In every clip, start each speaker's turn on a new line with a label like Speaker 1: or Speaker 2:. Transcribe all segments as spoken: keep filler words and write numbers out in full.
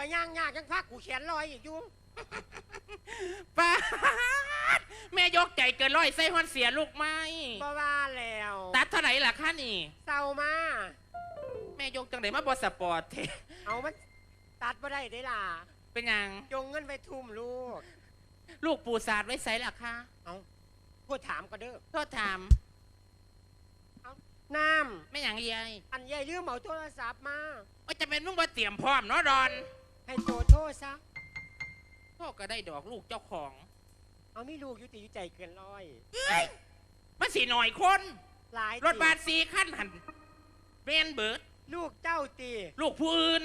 Speaker 1: ย่างยากยังพักกูแขนลอยอีกอยู่
Speaker 2: ป้าแม่ยกใจเกินร้อยใส่ฮอนเสียลูกไม้
Speaker 1: บ่ว่าแล้ว
Speaker 2: ตัดเท่าไหร่ล่ะคะนี่
Speaker 1: เศร้ามา
Speaker 2: แม่ยกจังไหนมาบอสปอร์ตเท
Speaker 1: เอามันตัดบ่ได้ได้ล่ะ
Speaker 2: เป็นยัง
Speaker 1: จงเงินไปทุ่มลูก
Speaker 2: ลูกปูศาสตร์ไว้ใส่ล่ะคะ
Speaker 1: เอาพูดถามก็เด้อ
Speaker 2: โทษถาม
Speaker 1: เอาน้
Speaker 2: ำไม่อย่างยาย
Speaker 1: อันยายเรื่องเหมาโทรศัพท์มา
Speaker 2: ว่าจะเป็นมึงมาเตรียมพร้อมเนาะดอน
Speaker 1: ให้โจโทษซะ
Speaker 2: พ่อก็ได้ดอกลูกเจ้าของ
Speaker 1: เอาไม่ลูกยุติยุใจเกินร้อย
Speaker 2: มันสีหน่อยคน
Speaker 1: หลาย
Speaker 2: รถบัสสีขั้นหันเรียนเบิร์ด
Speaker 1: ลูกเจ้าตี
Speaker 2: ลูกผู้อื่น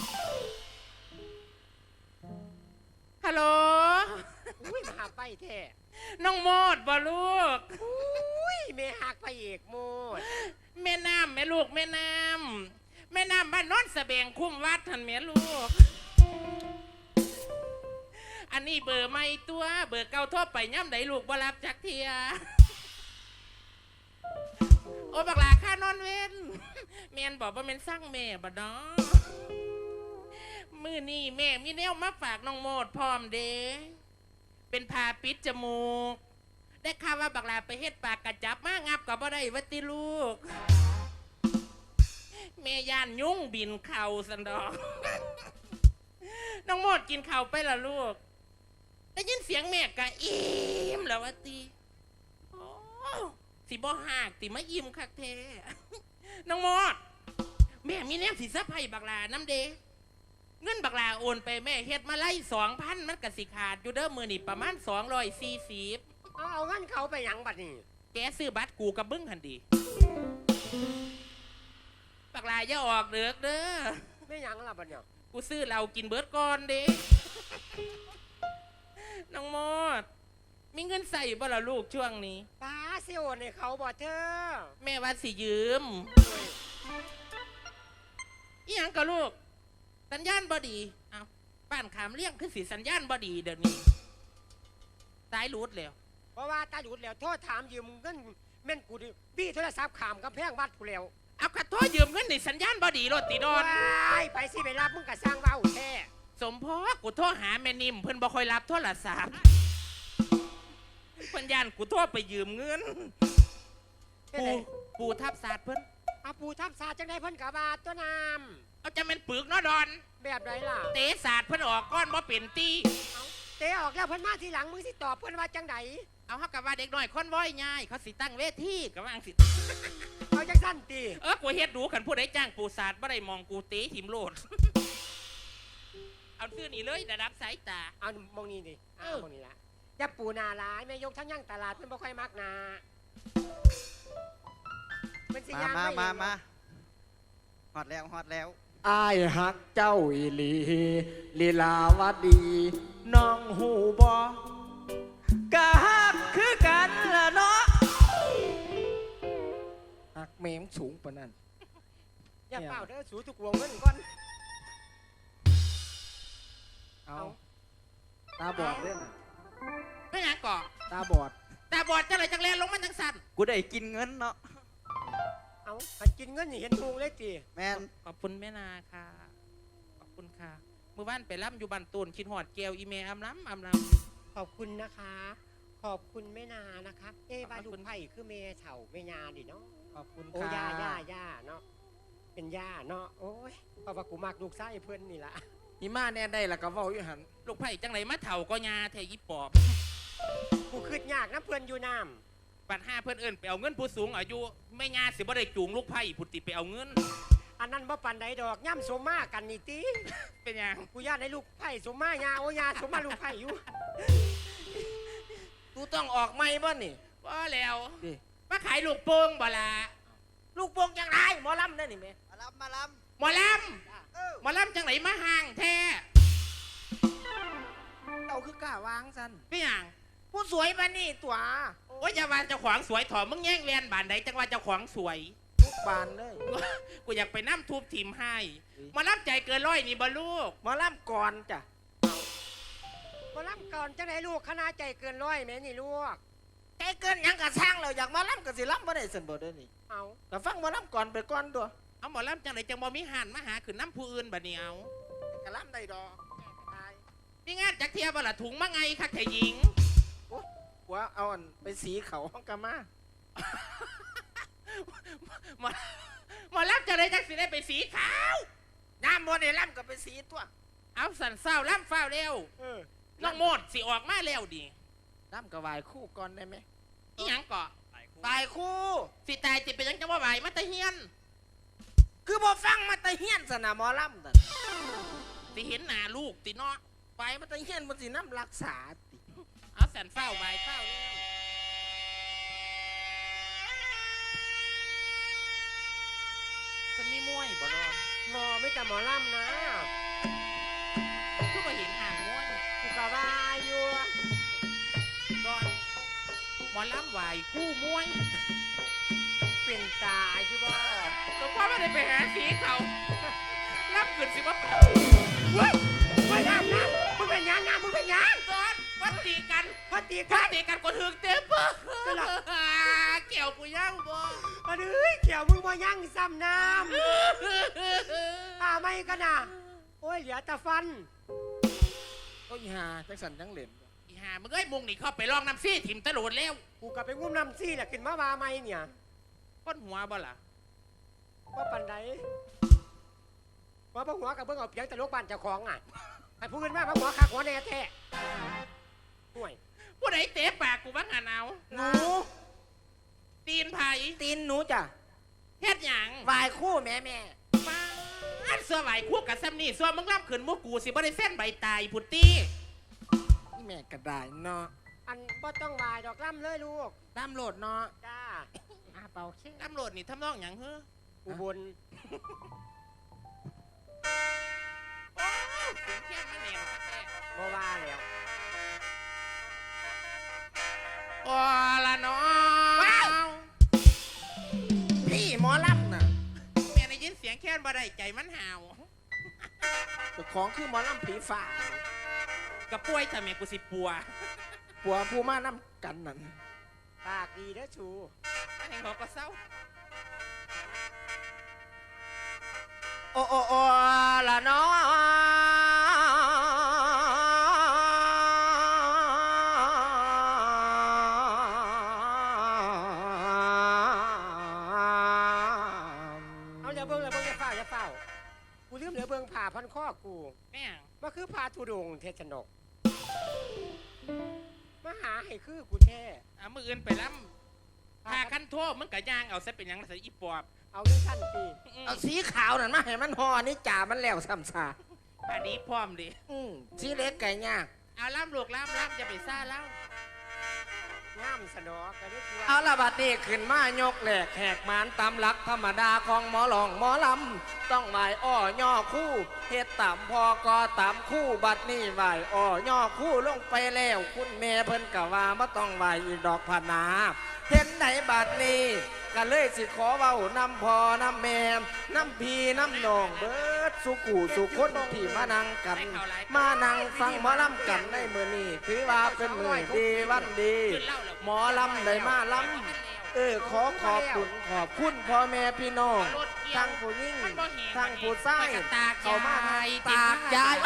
Speaker 2: ฮัลโหล
Speaker 1: อุ้ยมาหาไปแท้
Speaker 2: น้องโมดบ่ลูก
Speaker 1: อุ้ยแม่หักไปเอกโมด
Speaker 2: แม่น้ำแม่ลูกแม่น้ำแม่น้ำบ้านโน้นสะเบงคุ้มวัดทันแม่ลูกอันนี้เบอร์ไม่ตัวเบอร์เก่าทั่วไปย่ำไหนลูกบ่รับจักเทียโอ้บักหลาค่านอนเว้นแม่นบอกว่าแม่นสร้างแม่บ่เนาะมือนี่แม่มีแนวมาฝากน้องโมดพร้อมเด้เป็นพาปิดจมูกได้ข่าวว่าบักหลาไปเฮ็ดปากกระจับมางับกับบ่ได้วัติลูกแม่ย่านยุ่งบินเข่าสันดอกน้องโมดกินเข่าไปละลูกได้ยินเสียงแม่กะอิ่มแล้ววัติโอ้สิบ่หักติมาอิ่มคักแท้น้องโมดแม่มีแนวสิซับให้บักหลาน้ำเดเงินบักลาโอนไปแม่เฮ็ดมาไล่สองพันมันกะสิขาดอยู่เด้อมือนี่ประมาณสองร้อยสี่สิบ
Speaker 1: เอาเอาเงินเขาไปหยังบัดนี้
Speaker 2: แกซื้อบัตรกูกับบึ้งหันดีบักลาอย่าออกเดือกเด้อ
Speaker 1: ไม่หยังล่ะบัดเนี่ย
Speaker 2: กูซื้อเรากินเบิร์ดก่อนเด้น้องโมดมีเงินใส่บ่ล่ะลูกช่วงนี้
Speaker 1: ป้าสิโอนให้เขาบ่เธอ
Speaker 2: แม่ว่าสิยืมอีหยังกับลูกสัญญาณบอดีเอาบ้านขามเลี้ยงคือสีสัญญาณบอดีเดี๋ยวนี้สายรูดแล้ว
Speaker 1: เพราะว่าตาหลุดแล้วโทษถามยืมเงินแม่นกูดิบี้โทรศัพท์ขามกำแพงวัดกูแล้ว
Speaker 2: เอาขัดโทษยืมเงินในสัญญาณบอดีรถตีดอน
Speaker 1: ไปสิไปรับมึงกะสร้างเบ้าแท้
Speaker 2: สมพอกูโทรหาแม่นิ่มเพิ่นบ่ค่อยรับโทรศัพท์เพิ่นยันกูโทรไปยืมเงินปูปูทับศาสตร์เพิ่น
Speaker 1: เอาปูทับศาสตร์จังได้เพิ่นกะบาตัวน้ำ
Speaker 2: เอาจะเป็นปึกเนาะดอน
Speaker 1: แบบไรล่ะ
Speaker 2: เตะศาสตร์เพิ่นออกก้อนบ่เป็นตี
Speaker 1: เอาเตะออกแล้วเพิ่นมาทีหลังมึงสิตอบเพิ่นว่าจังได
Speaker 2: เอาเฮากับว่าเด็กน้อยคนว้อยง่ายเขาสิตั้งเวทีกับว่าอังสิ
Speaker 1: เอาจังสั้นตี
Speaker 2: เออกูเฮ็ดดูขันผู้ใดจ้างปูศาสตร์บ่ได้มองกูเตะหิมโลดเอาซื้อนี่เลยระดับสายตา
Speaker 1: เอามองนี่ดิเอามองนี่ละอย่าปูนาร้ายแม่ยกทั้งย่างตลาดเพิ่นบ่ค่อยมักนา
Speaker 3: เป็นสิย่างมามามาฮอดแล้วฮอดแล้ว
Speaker 1: อ้ายฮักเจ้าอีหลีลีลาวดีน้องหูบอกะฮักคือกันละเนาะฮักเมมสูงปะนั่นอย่าเป่าเด้อสูทุกวงเงินก่อนเอาตาบอดเล่น
Speaker 2: ไม่อยากก่อ
Speaker 1: ตาบอด
Speaker 2: ตาบอดจังไรจังแลลงมันจังสั่น
Speaker 3: กูได้กินเงินเนาะ
Speaker 1: เอามันกินเงินนี่เห็นทุงเลยจี
Speaker 3: แม่น
Speaker 2: ขอบคุณแม่นาค่ะขอบคุณค่ะเมื่อวานไปรับอยู่บ้านตูนคิดหอดแก้วอีเมลอำล้ำอำล้
Speaker 1: ำขอบคุณนะคะขอบคุณแม่นานะคะเอ้บ้านลูกไผ่คือเมย์เฉาเมยาดิเนาะ
Speaker 3: ขอบคุณค่ะ
Speaker 1: โอ้ย่าย่าย่าเนาะเป็นย่าเนาะโอ้ยเพราะว่ากูมากลูกไส้เพื่อนนี่ละ
Speaker 3: นี่มาแน่ได้ละก็ว่าอยู่หัน
Speaker 2: ลูกไผ่จังไรมาเถ่าก็ยาเทยิปอบ
Speaker 1: กูคืดยากนะเพื่อนอยู่น้
Speaker 2: ำปัดห้าเพื่อนเอิญไปเอาเงินผู้สูงอายุไม่งาสิบ่ได้จูงลูกไผ่ผุดติไปเอาเงิน
Speaker 1: อันนั้นบ่ปันใดดอกย่ำสมมากันนี่ตี
Speaker 2: เป็นยัง
Speaker 1: กูญาติในลูกไผ่สมมายาโอยาสมมาลูกไผ่อยู่
Speaker 3: กูต้องออกไม่บ้านี่
Speaker 2: ว่าแล้วมาขายลูกโป่งบ่ละ
Speaker 1: ลูกโป่งยังไงหมอลำได้หนิแม่
Speaker 3: มาลำมาล
Speaker 2: ำหมอลำหมอลำจังไหนมาห่างแท้
Speaker 1: เอาคือกล้าวางสัน
Speaker 2: เป็นยัง
Speaker 1: ผู้สวยมานี่ตัว
Speaker 2: โอ้ยอย่าว่าเจ้าของสวยถอดมึงแย่งเรียนบานใดจังว่าเจ้าของสวย
Speaker 1: ทุกบานเลย
Speaker 2: กูอยากไปน้ำทุบทีมให้มาล่ำใจเกินร้อยนี่บ่ลูก
Speaker 1: มาล่ำก่อนจ้ะมาล่ำก่อนจังไหนลูกคณะใจเกินร้อยแม่นี่ลูก
Speaker 3: ใจเกินยังกระช่างเราอยากมาล่ำกับสิล่ำบ่ได้เสนบ่ได้นี่
Speaker 1: เอา
Speaker 3: แต่ฟังมาล่ำก่อนไปก่อนตัว
Speaker 2: เอาหมอล่ำจังไหนจังบ่มีหันมาหาขืนน้ำผู้อื่นบ่เนี่ยเอา
Speaker 1: กระล่ำได้ดอกแม่ก็ได้
Speaker 2: นี่งานจักเทียบละถุงมาไงคะแค่หญิง
Speaker 1: โอ้หัวเอาอันไปสีเขาห้องกามา
Speaker 2: หมอหมอรับจะได้จักสิได้ไปสีขาว
Speaker 1: น้ำบนในล่ำกับไปสีตัว
Speaker 2: เอาสันเศร้าล่ำเฝ้าเร็ว
Speaker 1: เออ
Speaker 2: น้องโมดสิออกมาเร็วดิ
Speaker 1: ล่ำกับวายคู่ก่อนได้ไหม
Speaker 2: อีหยังเกาะ
Speaker 1: วายคู่
Speaker 2: สิตายติเป็นหยังจังว่าไหวมาตะเฮียน
Speaker 1: คือบ่ฟังมาแตะเฮียนสนะหมอล่ำแต่
Speaker 2: สิเห็นหน้าลูกติเนาะ
Speaker 1: ไปมาแตะเฮียนมันสิน้ำรักษาติ
Speaker 2: เอาสันเฝ้าไหวเฝ้าเร็วมันมีมวยบ่รอ
Speaker 4: หมอไม่แต่หมอลำนะ
Speaker 2: คือมาเห็นห่างมวย
Speaker 4: กูกะว่าอยู่
Speaker 2: ก่อนหมอลำไหวคู่มวย
Speaker 4: เป็นตาอยู่บ่
Speaker 2: ก็เพราะไม่ได้ไปหาสีเขารับเกินสิว่า
Speaker 4: เว้ยเว้ยน้ำน้ำมึงเป็นหยังน้ำมึงเป็นหยัง
Speaker 2: ก่อนวัดตีกัน
Speaker 4: พอตี
Speaker 2: วั
Speaker 4: กั
Speaker 2: ด
Speaker 4: น
Speaker 2: ตีกันก็ถึงเต็มปะเกี่ยวกูย่างบ่
Speaker 4: มาดื้อเกี่ยวมึงบ่ยังซ้ำน้ำอ่าไม่กันนะโอ้ยเหลือแต่ฟัน
Speaker 1: ก็อีหาจังสันจังเหลน
Speaker 2: อีห่ามึงเอ้ยมุงนี่เข้าไปลองน้ำซี่ถิ่มตะโหลดแล้ว
Speaker 4: กูกะไปงุ้มน้ำซี่แหละขึ้นมาว่าไม่เนี่ย
Speaker 2: ก้นหัวบ่ล่ะ
Speaker 4: ว่าปันใดว่าบ่หัวกับเบิ่งเอาเพียงแต่ลูกบ้านเจ้าของอ่ะไอ้ผู้อื่นมาบ่หัวขาหัวแน่แท้ห่วย
Speaker 2: ผู้ใดเตะปากกูบ้างหันเอา
Speaker 1: หนู
Speaker 2: ตีนไผ่
Speaker 1: ตีนหนูจ้ะ
Speaker 2: เฮ็ดหยัง
Speaker 1: วายคู่แม่แม่
Speaker 2: มาอันเสื้อไหวคู่กับซัมนี่ส่วนมึงรับขืนมุกกูสิบ่ได้เส้นใบตายพุตตี้
Speaker 1: นี่แม่กระดายเนาะ
Speaker 4: อันบ่ต้องวายดอกล่ำเลยลูก
Speaker 1: ตามโหลดเนาะ
Speaker 4: จ้าอาเป่าเช่
Speaker 2: ตำรวจนี่ทำนองหยังเฮ้อ
Speaker 4: อุบล
Speaker 2: โอ้เสียงเทียนมาแนวแท้
Speaker 4: บ่ว่าแล้ว
Speaker 2: โอ้ละน้อง
Speaker 1: พี่หมอล่ำน่ะ
Speaker 2: แม่ได้ยินเสียงแค้นบ่ได้ใจมันห่าว
Speaker 1: เจ้าของคือหมอล่ำผีฝ่า
Speaker 2: กับป่วยทำไมกูสิปัว
Speaker 1: ปัวผู้มาน้ำกันนั่น
Speaker 4: ปากดีเด้อชู
Speaker 2: อันนี้เขาก็เศร้า
Speaker 1: โอ้โอ้โอ้ละเนาะ
Speaker 4: เอาอย่าเบิ่งอย่าเบิ่งอย่าเฝ้าอย่าเฝ้ากูลืมเหลือเบิ่งผ่าพันข้อกู
Speaker 2: แม่ง
Speaker 4: มาคือผ่าทุดงเทชนกมาหาให้คือกูแท้
Speaker 2: เอามืออื่นไปล้ำพากันโทษมึงกะย่างเอาซะเป็นหยังใส่อีปอบ
Speaker 4: เอาเรื่องสั้นปี
Speaker 1: เอาสีขาวนั่นมาให้มันห่อนี่จ่ามันแล้วซ้ำซา
Speaker 2: อันนี้พร้อมดิ
Speaker 1: อืมสีเล็กไก่ยาก
Speaker 2: เอาล้ำลูกล้ำล้ำจะไปซ่าเล่า
Speaker 4: ง่ามสนอกันได้คือ
Speaker 1: เอาละบัดนี้ขึ้นมายกแหลกแหกมานตามหลักธรรมดาของหมอหลองหมอลำต้องไหวอ้อย่อคู่เฮ็ดตามพอกอตามคู่บัดนี้ไหวอ้อย่อคู่ลงไปแล้ว คุณแม่เพิ่นกะว่าบ่ต้องไหวอีกดอกพะนาเห็นไหนบัดนี้ก็เลยสิขอเว้านำพอน้ำแม่น้ำพีน้ำนองเบิดสุกูสุคนที่มานั่งกัน มานั่งฟังหมอลำกันในมื้อนี้ถือว่าเป็นมื้อดีวันดี
Speaker 2: ขึ้นเล่าแล้ว
Speaker 1: หมอลำได้มาลำเออขอขอบคุณขอบคุณพ่อแม่พี่น้องทั้งผู้หญิงทั้งผู้ชายเขามาตากยาย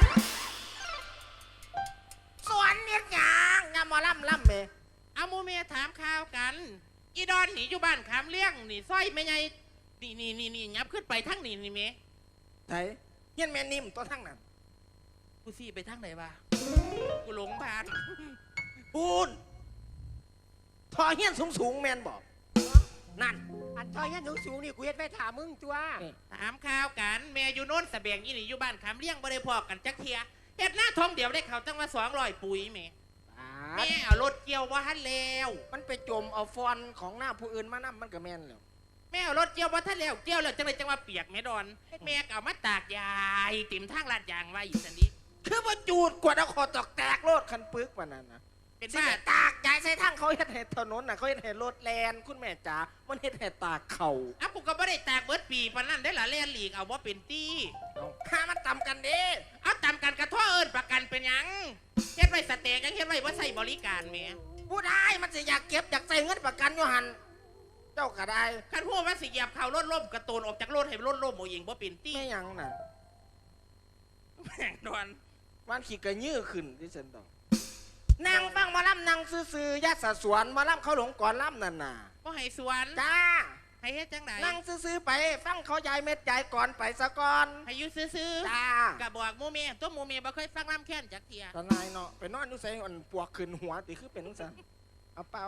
Speaker 1: สวนเนียดหยางงามหมอลำลำเม
Speaker 2: เอาโมเมียถามข่าวกัน อีดอนหนีอยู่บ้านขามเลี้ยงนี่สร้อยไม่ไงนี่นี่นี่นี่ยับขึ้นไปทั้งนี่นี่เม
Speaker 1: ไทยเฮียนแม่นิ่มตัวทั้งนั้น
Speaker 2: กูซี่ไปทั้งไหนวะกูหลงพาน
Speaker 1: ปูนทอเฮียนสูงสูงๆแมนบอกนั่น
Speaker 4: อันทอยยันสูงสูงๆนี่กูเฮ็ดไว้ถามมึงตัว
Speaker 2: ถามข่าวกันแม่อยู่โน้นสะเบียงอีนี่อยู่บ้านขามเลี้ยงบ่ได้พอกันจักเทียเฮ็ดหน้าท้องเดียวได้เขาตั้งว่าสองร้อยปุ๋ยแม่แม่เอารถเกี่ยวว่าทันแล้ว
Speaker 1: มันไปจมเอาฟอนของหน้าผู้อื่นมานำมันก็แมนแล้ว
Speaker 2: แม่เอารถเกี่ยวว่าทันแล้วเกี่ยวแล้วจังเลยจังว่าเปียกแม่ดอนแม่ก็เอามาตากยายติ่มทางลาดยางไว้อีสันนี้
Speaker 1: คือว่าจูดกว่าเอาคอตอกแตกโลดคันปึกกว่านั้นนะ
Speaker 2: เป็น
Speaker 1: สิ
Speaker 2: บ้า
Speaker 1: แม่ตากยายใส่ทั้งเขาเฮ็ดให้ถนนน่ะเขาเฮ็ดให้รถแลนคุณแม่จ๋ามันเฮ็ดให้ตากเขา
Speaker 2: อ้าวกูก็ไม่ได้ตากเบิดปีปานนั้นได้หละเล่นหลีกเอาว่าเป็นตี้
Speaker 1: เอาหามันต่ำกันเด้
Speaker 2: เอาตามกันกระท่อเอิญประกันเป็นหยังเฮ็ดไว้สเต็กยังเฮ็ดไว้ว่าใส่บริการแหม่
Speaker 1: ผู้ได้มันสิอยากเก็บอยากใส่เงินประกันอยู่หันเจ้าก็ได้
Speaker 2: คันพูดว่าสิเหยียบเขารถล่มกระโตนออกจากรถให้รถล่มโมยิงว่าเป็นตี้
Speaker 1: ไม่หยังน่ะ
Speaker 2: แม่งดวน
Speaker 1: วันขี่กระยื้อขึ้นที่ฉันต้องนางฟังหมาล่ำนางซื่อๆยัดสะสวนหมาล่ำเขาหลงก่อนล่ำนั่นน่ะ
Speaker 2: บ่ให้สวน
Speaker 1: จ้า
Speaker 2: ให้เฮ็ดจังได
Speaker 1: นั่งซื่อๆไปฟังเขายายเม็ดยายก่อนไปสะก่อน
Speaker 2: ให้อยู่ซื่อ
Speaker 1: จ้า
Speaker 2: ๆกะบอกหมู่แม่ตัวหมู่แม่บ่เคยฟังลำแค้นจักเที่ย
Speaker 1: ตานายเนาะไปนอนอยู่ใส่อันปวกขึ้นหัวติคือเป็นจังเอาเป่า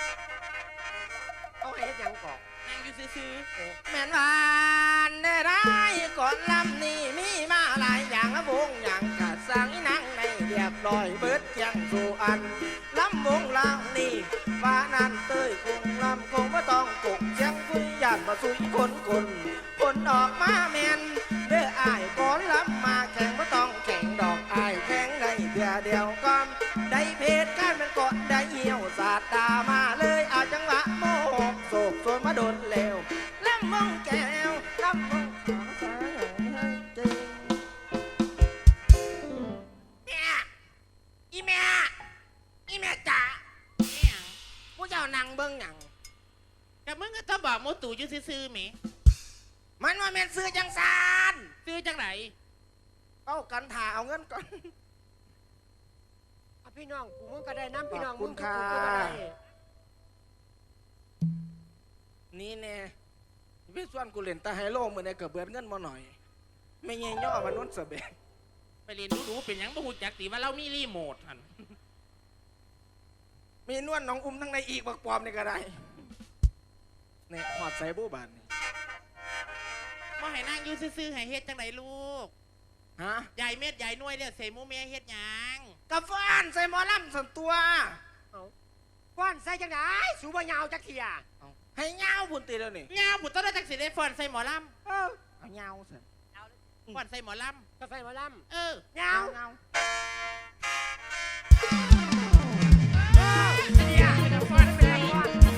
Speaker 4: เอาให้เฮ็ดหยังก่อน
Speaker 2: นั่งอยู่ซื่อ
Speaker 1: แม่นวานได้ได้ก่อนลำนี่มีมาหลายอย่างละวงอย่างกะสังนังในเรียบร้อยเบิดเจียงสู่อันลำวงลำนี่ว่านั่นเต้ยคงลำคงว่าต้องกกเจียงคุยหยาดมาสุยคนคนคนออกมาแมนเด้ออายก่อนลำมาแข่งว่าต้องแข่งดอกอายแข่งในเดียวเดียวก่อนได้เพชรกันเป็นกดได้เหี่ยวสาดตามาเลยอาจังหวะโมโหโศกส่วนมาโดนเลวลำมงแก้วลำมงขอสายให้จริงแม่อีแม่อีแม่จ๋า
Speaker 2: ๆอิหยัง
Speaker 1: ผู้เจ้านั่งเบิ่งหยัง
Speaker 2: กะมึงก็ต้องบอกหมู่ตู่อยู่ซื่อๆแหม
Speaker 1: มันว่าแม่นซื้อจังซาน
Speaker 2: ซื้อจังได
Speaker 1: เอากันถ่าเอาเงินก่อน
Speaker 4: เอาพี่น้องกูมึงก็ได้น้ำพี่น้อง
Speaker 1: ขอบคุ
Speaker 4: มึ
Speaker 1: ณ
Speaker 4: งกูก็
Speaker 1: ค่ะ
Speaker 4: ได้
Speaker 1: นี่แน่พี่ส่วนกูเล่นตาไฮโลมือในเกือบเบิดเงินมาหน่อย ไม่เงี้ยย่อมันนุ่นเสเบก
Speaker 2: ไปเรียนรู้ๆเป็นหยังบ่ฮู้จักติว่าเรามีรีโมทหั่น
Speaker 1: มีนวลน้องอุ้มทั้งในอีกบักปลอมนี่ก็ได้เนี่ยหอดใส่บูบานนี่
Speaker 2: บ่ให้นั่งอยู่ซื่อๆให้เฮ็ดจังไดลูก
Speaker 1: ฮะ
Speaker 2: ยายเม็ดยายหน่วยแล้วใส่หมู่แม่เฮ็ดหยัง
Speaker 1: กาแฟนใส่หมอลำส่วนตัว
Speaker 4: ฟ้อนใส่จังไดสูบ่ยาวจักเที่ย
Speaker 1: เอาให้เงาพุ่นตีแล้วนี่
Speaker 2: ยาวผู้ต้นจักสิได้ฟ้อนใส่หมอล
Speaker 4: เออ
Speaker 1: เอาเงาสิ
Speaker 2: ำฟ้อนใส่หมอล
Speaker 4: ก็ใส่หมาล
Speaker 2: ำเออ
Speaker 4: ำยาว
Speaker 1: เงา
Speaker 4: เที่ยเป็นฟ้อนเป็นฟ้อน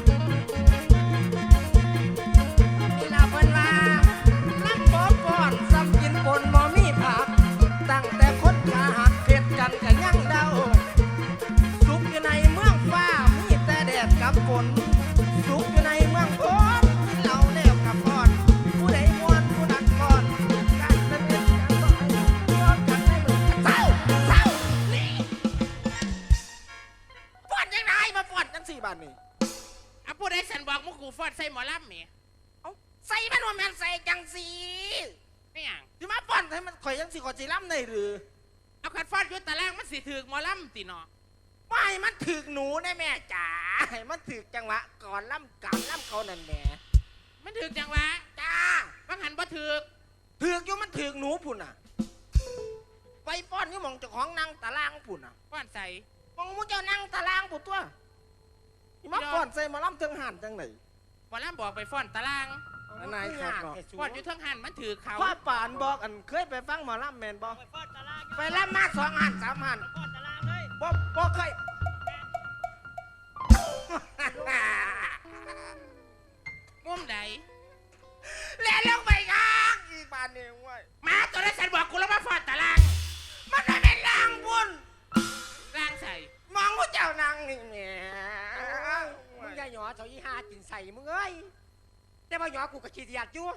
Speaker 1: นี่ลาเพิ่นว่าลำบ่ก่อนซ้ำกินปนบ่มีผัก ตั้งแต่คนขาหักเผ็ดกันก็ยังเดาสุกอยู่ในเมืองฟ้ามีแต่แดดกับฝนสุกอยู่ในเมืองพ้นกินเหล้าแล้วกับพอนผู้ใดม่วนผู้นั้นก่อนการเต้นกันต่อยย้อนกันให้มันเศร้าเศร้านี่ฟ้อนยังไงมาฟ้อนจังสี่บาทนี่
Speaker 2: เอาผู้ใดสันบอกหมู่กูฟ้อนใส่หมอลำแหม
Speaker 1: เอาใส่มันว่าแม่นใส่จังสี
Speaker 2: ไม่หยัง
Speaker 1: สิมาฟ้อนให้มันข่อยจังสีข่อยสิล้ำได้หรือ
Speaker 2: เอาคันฟ้อนอยู่ตารางมันสิถึกหมอลำติเนาะ
Speaker 1: ไม่ให้มันถึกหนูได้แม่จ๋าให้มันถึกจังหวะก่อนล่ำการล่ำเขานั่นแหม่
Speaker 2: มันถึกจังวะ
Speaker 1: จ้า
Speaker 2: บางหันบ่ถึก
Speaker 1: ถึกอยู่มันถึกหนูพุ่นอ่ะ ไปฟ้อนอยู่หมองเจ้าของนั่งตารางพุ่นอ่ะ
Speaker 2: ฟ้อนใส่
Speaker 1: มองมุเจ้านั่งตารางพุ่นตัวนี่มาฟ้อนใส่หมาล่ำเทิงหันจังไหน
Speaker 2: หมอลำบอกไปฟ้อนตาราง
Speaker 1: อันไหนครับเนาะ
Speaker 2: ฟ้อนอยู่เทั้งหันมันถือเขา
Speaker 1: พ่อป่านบอกอันเคยไปฟังหมอล่ำแมนบอกไปล่ำมาสองหันสามหันบอกบอกเคย
Speaker 2: มุมใด
Speaker 1: เล่นลงไปยักอีบานนี่เว้ย
Speaker 2: หมาตัวนั้นสันบอกกูแล้วมาฟ้อนตาราง
Speaker 1: มันไม่เป็นล่างบุญ
Speaker 2: ร่างใส่
Speaker 1: มองว่าเจ้านางนี่แหม่
Speaker 4: มึงอย่าหยอเถายี่ห้ากินใส่มึงเอ้ยแต่ว่าหยอกูก็ขี้เดียดอยู่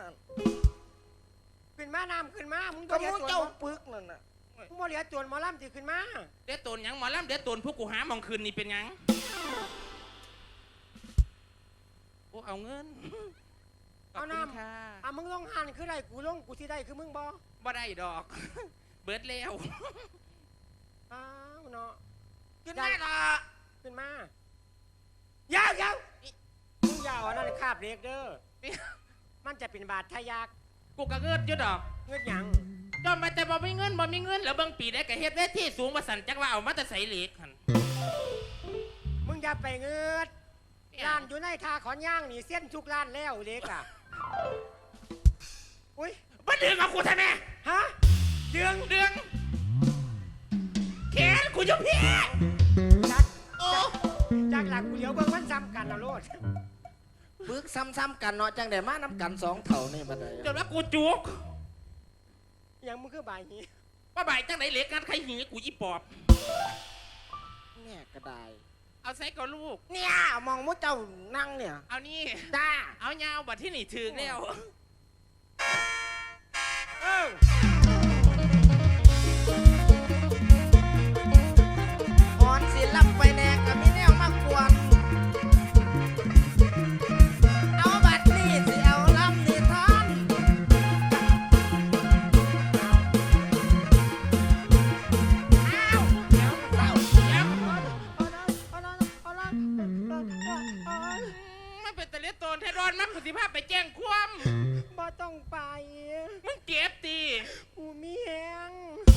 Speaker 4: ขึ้นมาน้ำขึ้นมามึง
Speaker 1: ก็
Speaker 4: บ่เหลือ
Speaker 1: มู
Speaker 4: ตัว
Speaker 1: เจ้า
Speaker 4: หมอ
Speaker 1: ปึกนั่นน่ะ
Speaker 4: มึงบ่เหลือตัวหมอลำที่ขึ้นมา
Speaker 2: เดี๋ยวตนหยังหมอลำเดี๋ยวตนพวกกูหาหมองคืนนี่เป็นหยังโอ้เอาเงินขอบคุณค่ะ
Speaker 4: อ่ะมึงลงหันคือได้กูลงกูที่ได้คือมึงบ่
Speaker 2: บ่ได้ดอก เบิดแล้ว
Speaker 4: อ้าวเนาะ
Speaker 1: ขึ้นมาละ
Speaker 4: ขึ้นมายาวยาวมึงอยาวอันนั้นคาบเล็กเด้อมันจะเป็นบาดทะยัก
Speaker 2: กูก็เงินอยู่ดอก
Speaker 4: เงือกหยัง
Speaker 2: จอมมาแต่บ่มีเงินบ่มีเงินแล้วเบางปีได้ก็เฮ็ดได้ที่สูงมาสั่นจักว่าเอามาแต่ใส่เหล็กหั่น
Speaker 4: มึงอย่าไปเงือดร้านอยู่ในทาขอนย่างนี่เส้นทุกร้านแล้วเล็กอ่ะอุ้ย
Speaker 2: บ่ดึงเอากูทำไม
Speaker 4: ฮะเดือง
Speaker 2: ดึงแขนกูอยู่พี่
Speaker 4: จัก
Speaker 2: โอ้
Speaker 4: จากหลักกูเดี๋ยวเบิ่งมันซ้ำกันเอาโลด
Speaker 1: ปึกซ้ำๆกันเนาะจังได้มาน้ำกันสองเท่านี่บัดนี้
Speaker 2: จนว่ากูจุก
Speaker 4: ยังมึงคือบายนี้
Speaker 2: ว่าบ่ายจังไหนเหล็กกันใครหีกูอีปอบ
Speaker 1: เนี่ยก็ได้
Speaker 2: เอาใส่กับลูก
Speaker 1: เนี่ยมองมุเจ้านั่งเนี่ย
Speaker 2: เอานี่
Speaker 1: จ้า
Speaker 2: เอายาวบัดที่นี่ถึงแล้ว
Speaker 4: เออ
Speaker 2: เจ็บตี
Speaker 4: กูมีแหง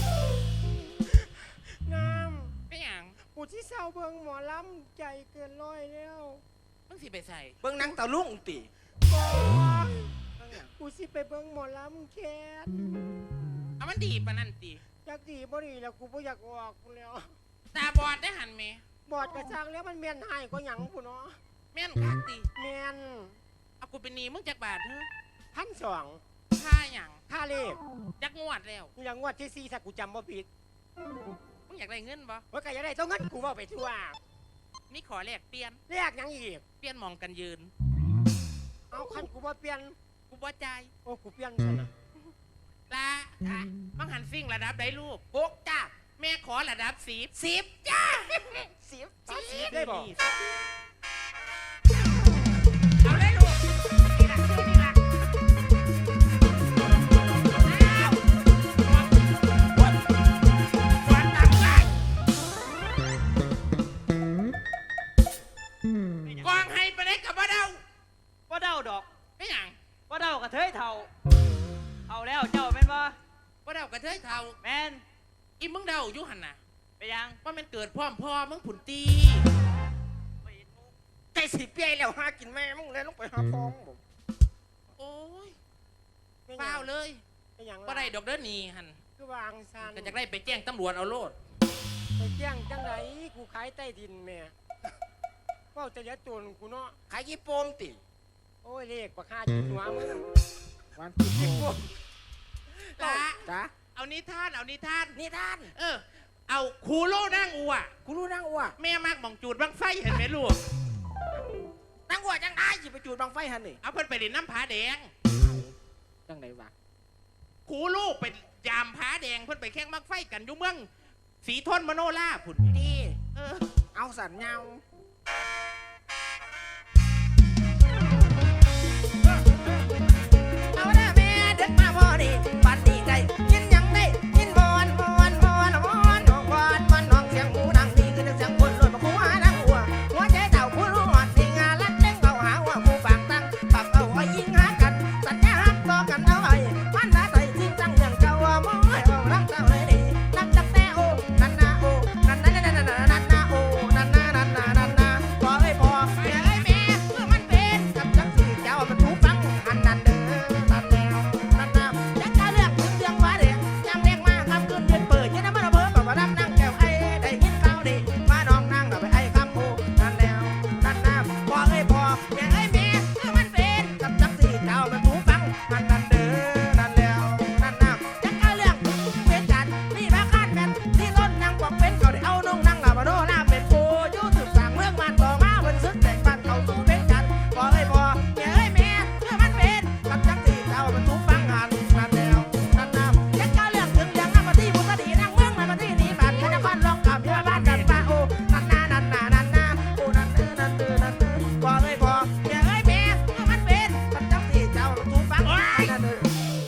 Speaker 4: น้
Speaker 2: เป็นหยัง
Speaker 4: ำกูที่เศร้าเบิ่งหมอลำใจเกินร้อยแล้ว
Speaker 2: มึงสิไปใส่
Speaker 1: เบิ่งหนังตะลุงติ
Speaker 4: บ่กูสิไปเบิ่งหมอลำแคท
Speaker 2: เอามันดีปะนั่นตี
Speaker 4: อยากดีบ่ดีแล้วกูบ่อยากออกกูแล้ว
Speaker 2: ตาบอดได้หันเม
Speaker 4: บอดกระชังแล้วมันเมียนหายก็หยังกูเนาะ
Speaker 2: แม่นคักตี
Speaker 4: เมียน
Speaker 2: เอากูเป็นหนีมึงจักบาทเถอะ
Speaker 4: พันสอง
Speaker 2: ค่าหยัง
Speaker 4: ค่าเลข
Speaker 2: จักงวดแล้ว
Speaker 4: นี่ละงวดที่สี่ถ้ากูจำบ่ผิด
Speaker 2: มึงอยากได้เงินบ่
Speaker 4: ว่าก็อยากได้ต้องเงินกูเว้าไปทั่ว
Speaker 2: มีขอแลกเปลี่ยน
Speaker 4: เลขหยังอีก
Speaker 2: เปลี่ยนหมองกันยืน
Speaker 4: เอาคันกูบ่เปลี่ยน
Speaker 2: กูบ่ใจาย
Speaker 4: โอ้กูเปลี่ยนซะนะ
Speaker 2: ลาอ่ะมังหันซิ่งระดับได้ลูก
Speaker 1: หกจ้า
Speaker 2: แม่ขอระดับสิบ
Speaker 1: สิบจ้าสิบ
Speaker 4: สามสิบได้บ่
Speaker 2: เอาเลยลูกนี่ล่ะชื่อนี่ล่ะอ้าววัดวัดตังไงกองให้ไปได้กับบ่เดา
Speaker 3: ว่าเดาดอก
Speaker 2: ไม่หยัง
Speaker 3: ว่าเดากระเทยเท่าเอาแล้วเจ้าแม่นบ่
Speaker 2: บ่เดากระเทยเท่า
Speaker 3: แม่น
Speaker 2: อีมึงเดาอยู่หันน่ะ
Speaker 3: ไปยัง
Speaker 2: ว่ามันเกิดพร้อมพ่อมึงผุนตี
Speaker 1: ใจสิเปียแล้วหากินแม่มึงเลยลงไปหาฟองบ่
Speaker 2: โอ้ย
Speaker 4: ไม่ห
Speaker 2: เปล่า
Speaker 4: ยัง
Speaker 2: เลย
Speaker 4: ไม่หยัง
Speaker 2: บ่ได้ดอกเด้อนี่หัน
Speaker 4: คือวางซัน
Speaker 2: ก็จะได้ไปแจ้งตำรวจเอาโลด
Speaker 4: ไปแจ้งจังไดกูขายใต้ดินแม่เว้าจะยัดตัวกูเนาะ
Speaker 1: ขายยี่โปมติ
Speaker 4: โอ้ยเลขบักห้าจิตหัวมึง
Speaker 1: วันที่โปม
Speaker 2: จ้า
Speaker 1: จ้า
Speaker 2: เอานิทาน เอานิทาน
Speaker 1: นี่ท่าน
Speaker 2: เออ เอาคูโลนั่งอัว
Speaker 1: กูรู้นางอ้ว
Speaker 2: แม่มากหมองจูดบังไฟเห็นไหมลูก
Speaker 1: นางอ้วจังได้สิไปจูดบังไฟหันนี่
Speaker 2: เอาเพิ่นไปเล่นน้ำผาแดง
Speaker 1: จังไหนวะ
Speaker 2: คูลูกเป็นยามผาแดงเพิ่นไปแข่งบังไฟกันอยู่เมืองสีทนมโนล่าผุน
Speaker 1: ดี
Speaker 2: เออ
Speaker 1: เอาสันเงาเอาเด้อแม่เด็กมาพอดีปันดีใจยินยังได้ยินบอนบอนบอนบอนบอนบอนบอนน้องเสียงหูดังดีคือเสียงคนรวยมาคู่หานางอ้วหัวใจเต่าผู้รู้หอดสิงาลัดเล่งเอาหาว่าผู้ปากตั้งปากเอาไว้ยิงหากันสัญญาฮักต่อกันเอาไว้วันละใส่จริงจังอย่างเจ้าว่าบ่ให้เอารักเจ้าเลยดีรักจักแต่โอ้นันนาโอ้นันนันนันนันนันนาโอ้นันนานันนานันนาพอเอ้ยพอแม่เอ้ยแม่เมื่อมันเป็นกับจักสิเจ้ามันถูกฟังอันนั้นเด้อนันแล้วนันนาจักกะเรื่องถึงเรื่องว่าเด็กจำเด็กมาคำคืนเดือนเปิดยันน้ำมันเพิ่มแบบว่าดำนั่งแก้วไอ้ได้ยินข่าวดีมาน้องนั่งกับไปไอ้คำโอ้นันแล้วนันนาพอเอ้ยพอแม่เอ้ยแม่เมื่อมันเป็นกับจักสิเจ้ามันถูกฟังอันนั้นเด้อนันแล้วนันนาจักกะเรื่องถึงเป็นจันนี่มาคาดแม่นที่ต้นนางกวักเป็นเขาได้เอานุ่งนั่งหลับมาโน่ล่าเป็นโฟยู่ถึงสั่งเมืองมันต่อมาเป็นซึกแต่งบ้านเขาสู้เป็นจันพอเอ้ยพอแม่เอ้ยแม่เมื่อมันเป็นกับจักสิเจ้ามันถูกฟังอันนั้นแล้วนันนาจักกะเรื่องถึงยังนำมาที่บุตรดีนางเมืองมันมาที่นี่บ้านนครลองกับยาบ้านกันป้าโอ้นันนานันนานันนาโอ้นันเด้อนันเด้อนันเด้อพอเอ้ยพอแม่เอ้ยแม่เมื่อมันเป็นกับจักสิเจ้ามันถูกฟังอันนั้นเด้อ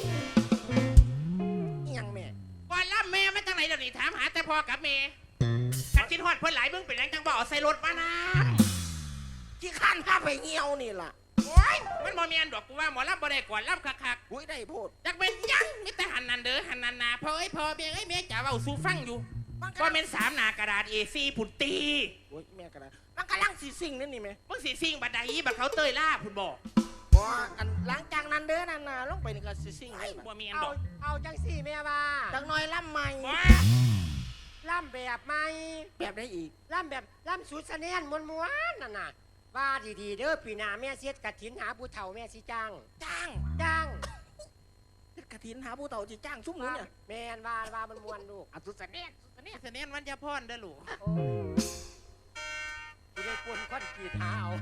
Speaker 1: อิหยังแม่
Speaker 2: ก่อนล่ำแม่มาจากไหนเดี๋ยวนี้ถามหาแต่พ่อกับแม่กันกินฮอดเพิ่นหลายมึงเป็นหยังจังบ่เอาใส่รถมานะ
Speaker 1: ที่ข้านพาไปเงียวนี่ล่ะ
Speaker 2: โอ้ยมันบ่แม่นดอกกูว่าหมอลำบ่ได้ก่อนลำคัก
Speaker 1: อุ้ยได้โพด
Speaker 2: ๆจักเป็นหยังมีแต่หันนันเด้อหันนันนาพ่อเอ้ยพ่อแม่เอ้ยแม่จ๋าเว้าสู่ฟังอยู่
Speaker 1: มัน
Speaker 2: ก็เป็นสามหน้ากระดาษ เอ สี่ ผุนตี
Speaker 1: โอ้ยแม่กระดามันกำลังสีสิ่งนั่นนี่ไหม
Speaker 2: มึงสิซิ่งบัดใดบัดเขาเตยล่าผุนบอก
Speaker 1: บ่อันหลังจากนั้นเด้อนั่นน่ะลงไปนี่ก็สีสิ่งเลย
Speaker 2: บ่แม่น
Speaker 4: เอา
Speaker 2: ดอก
Speaker 4: เอาจังสี่แม่ว่า
Speaker 1: จักหน่อยล่ำใหม่
Speaker 2: ว้า
Speaker 4: ล่ำแบบใหม่
Speaker 1: แบบได้อีก
Speaker 4: ล่ำแบบล่ำสุดเสนียนมวนมวนๆนั่นน่ะว่าดีๆเด้อปีหน้าแม่เสียดกระถินหาผู้เฒ่าแม่สิจ้าง
Speaker 1: จ้าง
Speaker 4: จ้าง
Speaker 1: กระถินหาผู้เฒ่าที่จ้างซุ้มหนูเนี่ย
Speaker 4: แม่นว่าว่ามันมวนลูก
Speaker 1: อัศเนียน
Speaker 2: นี่เสนียนวันยาพรเด้อลูก
Speaker 4: โอ้กูได้ปวนคอนกรีตหาเอา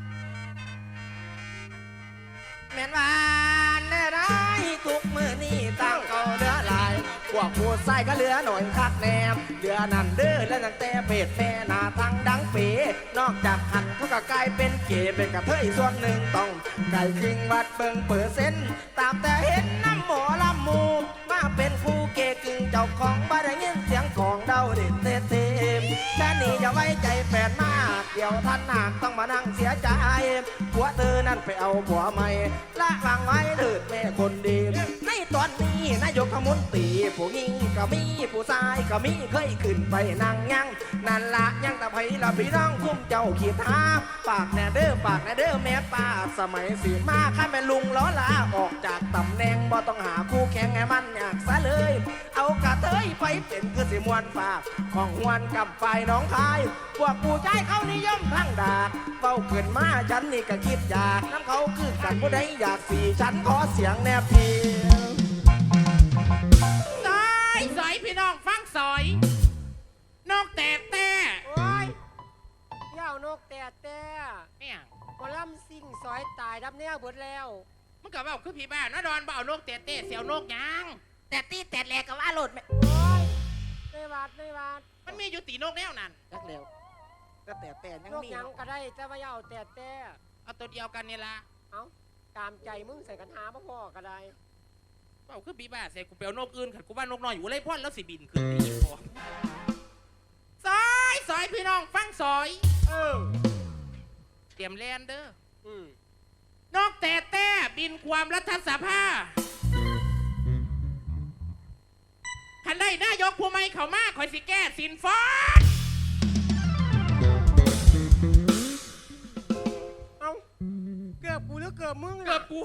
Speaker 1: แม่นวานเด้อได้ทุกมือนี่ตั้งเก่าเดือหลายพวกผู้ใส่ก็เหลือหน่อยคักแนมเดือนั่นเด้อแล้วตั้งแต่เป็ดแม่หน้าทั้งดังเป๋นอกจากหันเขาก็กลายเป็นเก๋เป็นกระเทยส่วนหนึ่งต้องไก่คิงวัดเบิ่งเปอร์เซ็นต์ตามแต่เห็นน้ำหมอลำมูมาเป็นคู่เกกึ่งเจ้าของบ้านได้ยินเสียงของเดาเด็ดเตเตมแค่นี้อย่าไว้ใจแฟนมากเดี๋ยวท่านหากต้องมานั่งเสียใจผัวเธอนั่นไปเอาผัวใหม่ละวางไว้เถิดแม่คนดีในตอนนี้นายกรัฐมนตรีผู้หญิงก็มีผู้ชายก็มีเคยขึ้นไปนั่งยังนั่นละยังแต่ไผละพี่น้องคุ้มเจ้าขีดหาปากแน่เด้อปากแน่เด้อแม่ป้าสมัยสีมาข้าแม่ลุงล้อลาออกจากตำแหน่งบ่ต้องหาคู่แข่งให้มันอยากซะเลย เอากระเทยไปเป็นคือสิมวนฝากของหวนกับไฟน้องคายพวกผู้ชายเขานิยมพังดากเบ้าขึ้นมาฉันนี่ก็คิดอยากน้ำเขาคือกันผู้ใดอยากสีฉันขอเสียงแนบเพียง
Speaker 2: ซอยซอยพี่น้องฟังซอยนกแต่แต่
Speaker 4: โอ้ยเหย้านกแต่แต่
Speaker 2: เนี่ย
Speaker 4: หมอลำซิ่งซอยตายดับแนวเบิดแล้ว
Speaker 2: มันก็บอกคือพี่บ้านนะดอนบ่เอานกแต่แต่เสียวนกยาง
Speaker 1: แต่ตีแต่แหลกกับว่าโหลดแม่
Speaker 4: โอ้ยในวาดในวาด
Speaker 2: มันมีอยู่ตีนกแนวนั้น
Speaker 1: จักเร็วก็แต่แต่ยัง
Speaker 4: นก
Speaker 1: มี
Speaker 4: หยังก็ได้แต่ว่าเหย้าแต่แต่
Speaker 2: เอาตัวเดียวกันนี่ละ
Speaker 4: เอาตามใจมึงใส่กันหาพ่อพ่อก็ได้
Speaker 2: บอกคือพี่บ้านเสียกูเปลนกอื่นขัดกูบ้านนกน้อยอยู่เลยพ่อนแล้วสิบินขึ้นตีพอซอยซอยพี่น้องฟังซอย
Speaker 4: เออ
Speaker 2: เตรียมแลนเด้อ
Speaker 4: อืม
Speaker 2: นกแต่แต่บินความรัฐสภาคันได้นายกผู้ไม่เขามาคอยสิแก้สินฟอน
Speaker 4: เอาเกือบกูหรือเกือบมึงน่ะ
Speaker 2: เกือบกู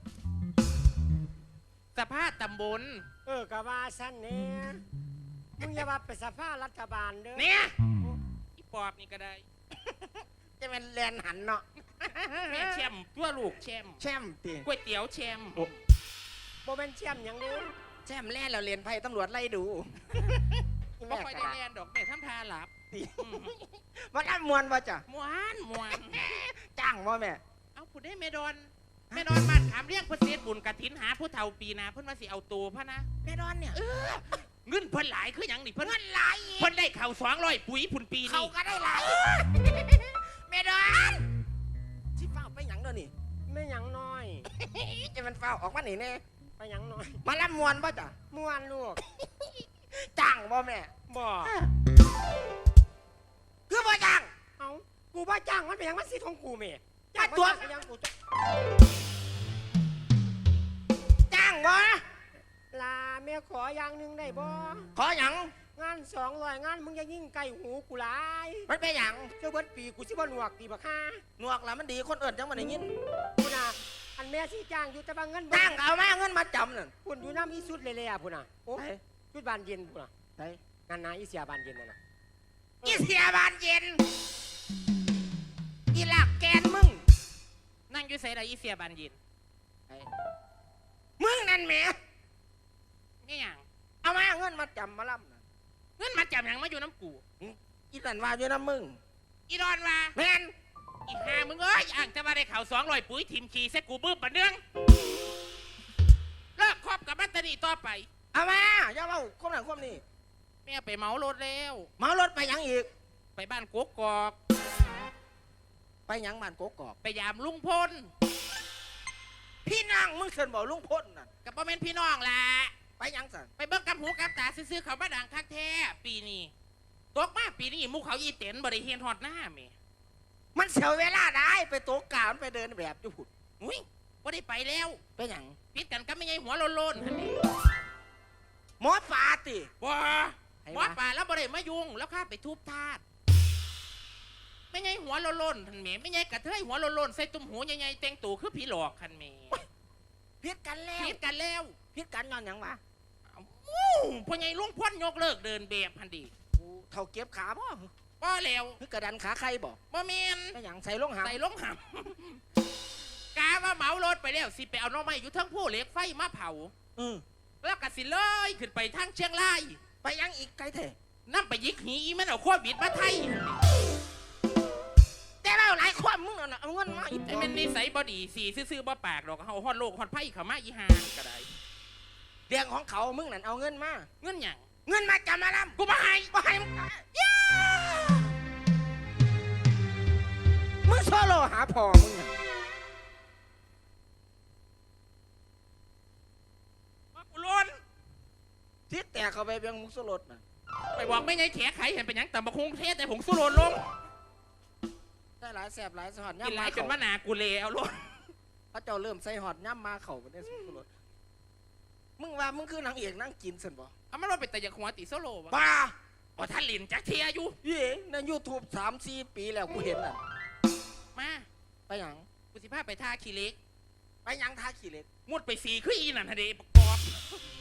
Speaker 2: สภาตำบล
Speaker 4: เออกะว่าสั้นเนี่ยมึงอย่าว่าเป็นสภารัฐบาลเด้อ
Speaker 2: เนี่ยอีปอบนี่ก็ได้
Speaker 1: จะเป็นแลนหันเนาะ
Speaker 2: แม่แชมป์ตัวลูกแชมป์
Speaker 1: แชมป์ตี
Speaker 2: ก๋วยเตี๋ยวแชมป์
Speaker 4: โบเป็นเชี่ยมหยังเด้อ
Speaker 1: แชมป์แล่นเราเรียนไพ่ตำรวจไล่ดู
Speaker 2: ไม่ค่อยได้แลนดอกแม่ทำทาหลับ
Speaker 1: มันอันมวนว่าจ้ะ
Speaker 2: มวนมวน
Speaker 1: จ้างว่าแม่
Speaker 2: เอาผู้ได้เมดอนเมดอนบ้านขามเรียกเพื่อเสียบุญกระถินหาผู้เฒ่าปีนาเพิ่นว่าสิเอาตัวพะนะ
Speaker 1: แม่ดอนเนี่ย
Speaker 2: เงินเพิ่นหลายคือหยังนี่เพิ่นเงินหลายเพิ่นได้เข่าสองร้อยปุ๋ยผุนปี
Speaker 1: เขา
Speaker 2: นี่
Speaker 1: ก็ได้หลายแม่ดอนชิเฝ้าไปหยังเด้อนี่
Speaker 4: ไม่หยังน้อย
Speaker 1: จะมันเฝ้าออกมาหนีแน่
Speaker 4: ไปหยังน้อย
Speaker 1: มาล่ำมวนป่ะจ้ะ
Speaker 4: ม่วนลูก
Speaker 1: จ้างบ่แม่
Speaker 4: บ่
Speaker 1: คือบ่จ้าง
Speaker 4: เอากูบ่จ้างมันเป็นหยังมันสิทธิ์ของกูแม่
Speaker 1: มาตัว
Speaker 4: จ้างก็ยังกูจะ
Speaker 1: จ้างบ่
Speaker 4: ลาแม่ขออย่างหนึงได้บ่
Speaker 1: ขอหยัง
Speaker 4: งานสองร้อยงานมึงอย่ายิ่งไก่หูกูหลาย
Speaker 1: มันเป็นหยัง
Speaker 4: เจ้าเบิดปีกูสิบ่หนวกตีบักฮ่า
Speaker 1: หนวกละมันดีคนอื่นจังมันได้ยิน
Speaker 4: พุ่นน่ะอันแม่สิจ้างอยู่แต่ว่าเงินบ่
Speaker 1: จ้างก็เอามาเงินมาจำนั่น
Speaker 4: พุ่นอยู่น้ำอีสุดเลยเลยอ่ะพุ่นน่ะโอ้
Speaker 1: ไป
Speaker 4: ชุดบานเย็นพุ่นน่ะ
Speaker 1: ไป
Speaker 4: งานนาอีเสียบานเย็นนั่นน่ะ
Speaker 1: อีเสียบานเย็นอีหลักแกนมึง
Speaker 2: นั่งอยู่ใส่ได้อีเสียบานเย็น
Speaker 1: มึงนั่นแหม
Speaker 2: นี่หยัง
Speaker 1: เอามาเงินมาจำมาล่ำน่ะ
Speaker 2: เงินมาจำหยังมาอยู่น้ำกู
Speaker 1: อีนั่นว่าอยู่น้ำมึง
Speaker 2: อีดอนว่า
Speaker 1: แม่น
Speaker 2: อีห่ามึงเอ้ยอ่างจะมาได้เข่าสองร้อยปุ๋ยทิมขี่เซ็กูบื้อปะเนืองเลิกคบกับบัตตานีต่อไป
Speaker 1: เอามาอย่าเล่าความนั้นความนี้
Speaker 2: แม่ไปเหมารถแล้ว
Speaker 1: เมารถไปหยังอีก
Speaker 2: ไปบ้านกกอก
Speaker 1: ไปหยังบ้านกกอก
Speaker 2: ไปยามลุงพล
Speaker 1: พี่นางมึงเชิญบอกลุงพ้นน่ะ
Speaker 2: กับพ่อแม่นพี่น้องล่ะ
Speaker 1: ไปหยังสัน
Speaker 2: ไปเบิ่งกับหูกับตาซื้อๆเขามาดังคักแท้ปีนี้ตกมาปีนี้หมูเขาอีเต็นบริเฮียนฮอดหน้าแม่
Speaker 1: มันเสียเวลาได้ไปโต๊ะกาวมันไปเดินแบบจุผุด
Speaker 2: อุ้ยบ่ได้ไปแล้ว
Speaker 1: ไปหยัง
Speaker 2: พิดกันก็ไม่ใช่หัวโลนๆหั่นนี่
Speaker 1: หมอปลาติ
Speaker 2: บ่
Speaker 1: ให้
Speaker 2: หัว
Speaker 1: วะ
Speaker 2: ป่าแล้วบ่ได้มายุ่งแล้วข้าไปทุบทาสไม่ใช่หัวโลนๆท่านแม่ไม่ใช่กระเทยหัวโลนๆใส่ตุ้มหูใหญ่ๆแต่งตัวคือผีหลอกคันแม่
Speaker 1: พิษกันแล้ว
Speaker 2: พิดกันแล้ว
Speaker 1: พิษกันย้อนหยังวะ
Speaker 2: อู้พ่อใหญ่ลุงพ่นยกเลิกเดินแบบพันดี
Speaker 1: กูเท่าเก็บขาบ่
Speaker 2: บ่แล้ว
Speaker 1: คือกระดันขาใครบ่
Speaker 2: บ่แม่น
Speaker 1: ไปหยังใส่ลงหา
Speaker 2: ใส่ลงหำ กาว่าเหมารถไปแล้วสิไปเอาหน้องไม้อยู่ทั้งผู้เหล็กไฟมาเผา
Speaker 1: เออ
Speaker 2: แล้วก็สิเลยขึ้นไปทางเชียงราย
Speaker 1: ไปหยังอีกไกลเถอะ
Speaker 2: นั่ไปยิกหีอีมันเอาโควิดมาไทย
Speaker 1: แต่เราหลายความมึงน่ะเอาเงินมาอีก
Speaker 2: ไอ้มันนิสัยบอดีสีซื่อๆบ่ปากดอกเฮาฮอดโลกฮอดไพ่เขามาอีหาก็ได้
Speaker 1: เรื่องของเขามึงนั่นเอาเงินมา
Speaker 2: เงินหยัง
Speaker 1: เงินมาจำมาลำ
Speaker 2: กูมาให้
Speaker 1: บ่ให้มึงย่ามึงโซโลหาพ่อมึงน่ะ
Speaker 2: มากูลน
Speaker 1: ทิศแต่เขาไปเบียงมุกสลดน่ะ
Speaker 2: ไปบอกไม่ไงแขไขเห็นเป็นหยังแต่บะคงเทศแต่ผงสุโรนลง
Speaker 1: ได้หลายแสบหลายสหอด
Speaker 2: กิน
Speaker 1: ย่ำ
Speaker 2: ห
Speaker 1: มา
Speaker 2: ลายจน
Speaker 1: เขา
Speaker 2: ว่าหนากูเลเอาลง
Speaker 1: พระเจ้าเริ่มใส่หอดย่ำมาเขาไปได้สุดสลดมึงว่ามึงคือนางเอกนางกินสันบ่
Speaker 2: เอามันว่าเป็นแต่อยากหัวติโซโล่วะ
Speaker 1: บ้า
Speaker 2: อ๋อท่านหลินจักเทียอยู่
Speaker 1: เย่ในยูทูบสามสี่ปีแล้วกูเห็นน่ะ
Speaker 2: มา
Speaker 1: ไปหยัง
Speaker 2: กูสิพาไปท่าขี้เหล็ก
Speaker 1: ไปหยังทาขี้เหล็ก
Speaker 2: มุดไปสีขึ้นอีนั่นฮะเดปกอบ